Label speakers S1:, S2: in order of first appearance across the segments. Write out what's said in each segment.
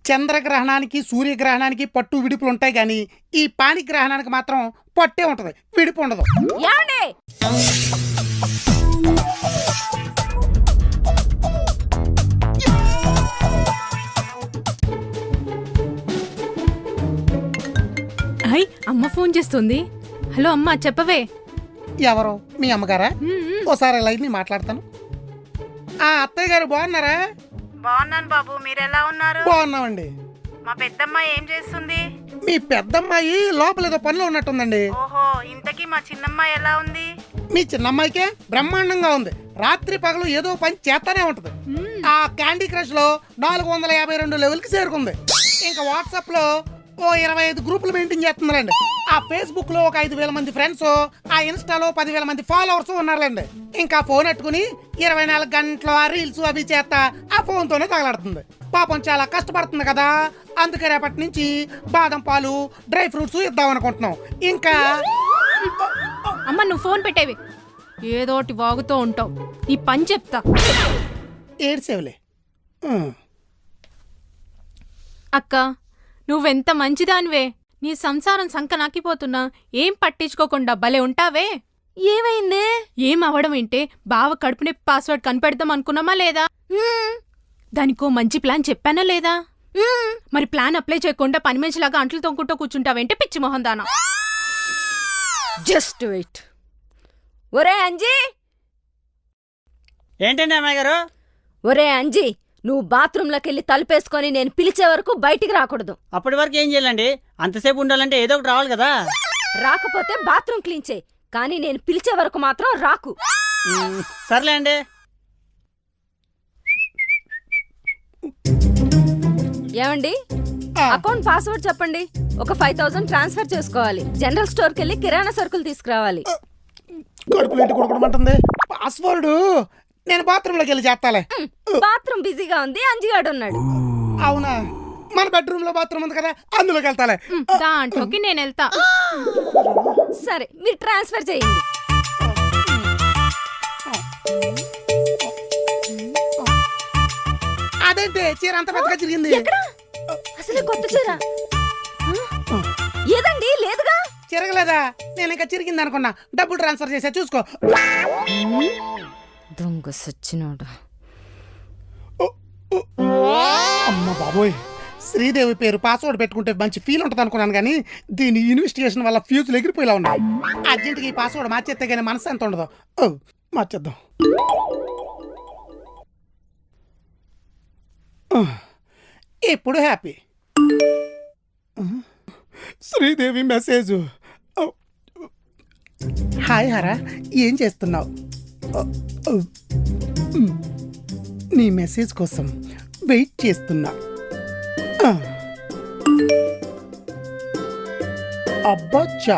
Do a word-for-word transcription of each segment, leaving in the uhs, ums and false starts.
S1: చంద్రగ్రహణానికి సూర్యగ్రహణానికి పట్టు విడుపులు ఉంటాయి కానీ ఈ పాణిగ్రహణానికి మాత్రం పట్టే ఉంటుంది, విడుపు ఉండదు.
S2: హాయ్, అమ్మ ఫోన్ చేస్తుంది. హలో అమ్మ, చెప్పవే.
S1: ఎవరు? మీ అమ్మగారా? ఓసారి లైన్ మాట్లాడతాను. ఆ అత్తయ్య గారు బాగున్నారా?
S3: బాగున్నాను బాబు, మీరెలా ఉన్నారు?
S1: బాగున్నామండి.
S3: మా పెద్దమ్మాయి ఏం చేస్తుంది?
S1: మీ పెద్దమ్మాయి లోపల ఏదో పనిలో ఉన్నట్టుందండి.
S3: ఓహో, ఇంతకీ మా చిన్నమ్మాయి ఎలా ఉంది?
S1: మీ చిన్నమ్మాయికే బ్రహ్మాండంగా ఉంది. రాత్రి పగలు ఏదో పని చేస్తానే ఉంటది. ఆ క్యాండీ క్రష్ లో నాలుగు వందల యాభై రెండు లెవెల్ కి చేరుకుంది. ఇంకా వాట్సాప్ లో ఓ ఇరవై ఐదు గ్రూపులు మెయింటైన్ చేస్తున్నారండి. ఆ ఫేస్బుక్ లో ఒక ఐదు వేల మంది ఫ్రెండ్స్, ఆ ఇన్స్టాలో పదివేల మంది ఫాలోవర్స్ ఉన్నారండి. ఇంకా ఫోన్ పెట్టుకుని ఇరవై నాలుగు గంటలు ఆ రీల్స్ అవి చేస్తా ఆ ఫోన్ తోనే తగలాడుతుంది. పాపం చాలా కష్టపడుతుంది కదా, అందుకే రేపటి నుంచి బాదం పాలు, డ్రై ఫ్రూట్స్ ఇద్దాం అనుకుంటున్నాం. ఇంకా
S2: అమ్మ, నువ్వు ఫోన్ పెట్టేవి. ఏదోటి వాగుతూ ఉంటావు. నీ పని చెప్తా.
S1: ఏడ్సేవులే.
S2: అక్క, నువ్వెంత మంచిదానివే. నీ సంసారం సంక నాకిపోతున్నా ఏం పట్టించుకోకుండా భలే ఉంటావే.
S4: ఏమైందే?
S2: ఏం అవడం ఏంటే, బావ కడుపునే పాస్వర్డ్ కనిపెడదాం అనుకున్నామా లేదా? దానికో మంచి ప్లాన్ చెప్పానా లేదా? మరి ప్లాన్ అప్లై చేయకుండా పని మనిషిలాగా అంట్లు తొంకుంటూ కూర్చుంటావేంటే పిచ్చి మొహం దానా.
S4: Just wait. ఒరే అంజీ.
S5: ఏంటండి అమ్మాయి గారు?
S4: ఒరే అంజీ, నువ్వు బాత్రూంలోకి వెళ్ళి తలుపేసుకొని నేను పిలిచే వరకు బయటికి రాకూడదు.
S5: అప్పటి వరకు ఏం చేయాలండి? అంతసేపు ఉండాలంటే ఏదో ఒకటి రావాలి కదా.
S4: రాకపోతే బాత్రూమ్ క్లీన్ చేయి, కానీ నేను పిలిచే వరకు మాత్రం రాకు.
S5: సర్లే అండి.
S4: ఏమండి, అకౌంట్ పాస్వర్డ్ చెప్పండి. ఒక ఫైవ్ థౌసండ్ ట్రాన్స్ఫర్ చేసుకోవాలి. జనరల్ స్టోర్కి వెళ్ళి కిరాణా సరుకులు తీసుకురావాలి.
S1: కడుపులేంటి కొడుకోమంటుంది. పాస్వర్డ్ నేను బాత్రూమ్ లోకి వెళ్ళి చేస్తాలే.
S4: బాత్రూమ్ బిజీగా ఉంది, అంజిగాడు ఉన్నాడు.
S1: అవునా? మన బెడ్రూమ్ లో బాత్రూమ్ ఉంది కదా, అందులోకి వెళ్తాలే.
S2: దాంట్లోకి నేను వెళ్తా.
S4: సరే, మీరు ట్రాన్స్ఫర్ చేయండి.
S1: అదేంటి చీర అంత పెద్దగా చిరిగింది?
S4: అసలు కొత్త చీర ఏదండి? లేదుగా.
S1: చిరగలేదా? నేను ఇంకా చిరిగింది అనుకున్నా. డబ్బులు ట్రాన్స్ఫర్ చేసా, చూసుకో.
S4: దొంగ సచ్చినోడు.
S1: అమ్మ బాబోయ్, శ్రీదేవి పేరు పాస్వర్డ్ పెట్టుకుంటే మంచి ఫీల్ ఉంటుంది అనుకున్నాను, కానీ దీని ఇన్వెస్టిగేషన్ వల్ల ఫ్యూజులు ఎగిరిపోయేలా ఉన్నాయి. అర్జెంట్గా ఈ పాస్వర్డ్ మార్చేస్తే కానీ మనసు ఎంత ఉండదు. ఓ మార్చేద్దాం. ఎప్పుడు happy. Sridevi message. Hi Hara, ఏం చేస్తున్నావు? నీ మెసేజ్ కోసం వెయిట్ చేస్తున్నా. అబ్బచ్చా.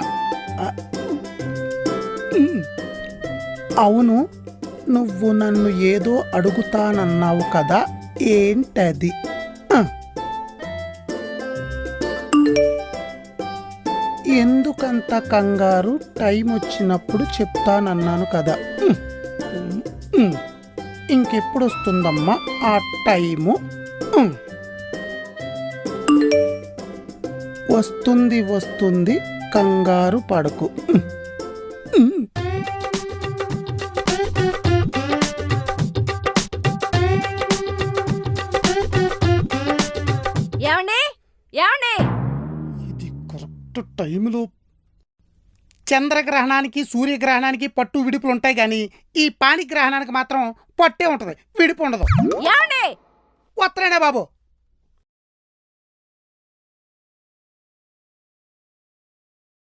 S1: అవును, నువ్వు నన్ను ఏదో అడుగుతానన్నావు కదా, ఏంటది? ఎందుకంత కంగారు? టైం వచ్చినప్పుడు చెప్తానన్నాను కదా. ఇంకెప్పుడు వస్తుందమ్మా ఆ టైము? వస్తుంది వస్తుంది, కంగారు పడకు.
S4: ఏమండి? ఏమండి?
S1: ఇది కరెక్ట్ టైంలో. చంద్రగ్రహణానికి సూర్యగ్రహణానికి పట్టు విడుపులు ఉంటాయి కానీ ఈ పాణిగ్రహణానికి మాత్రం పట్టే ఉంటుంది, విడుపు ఉండదు.
S4: ఏమండి?
S1: వస్తున్నానే బాబు.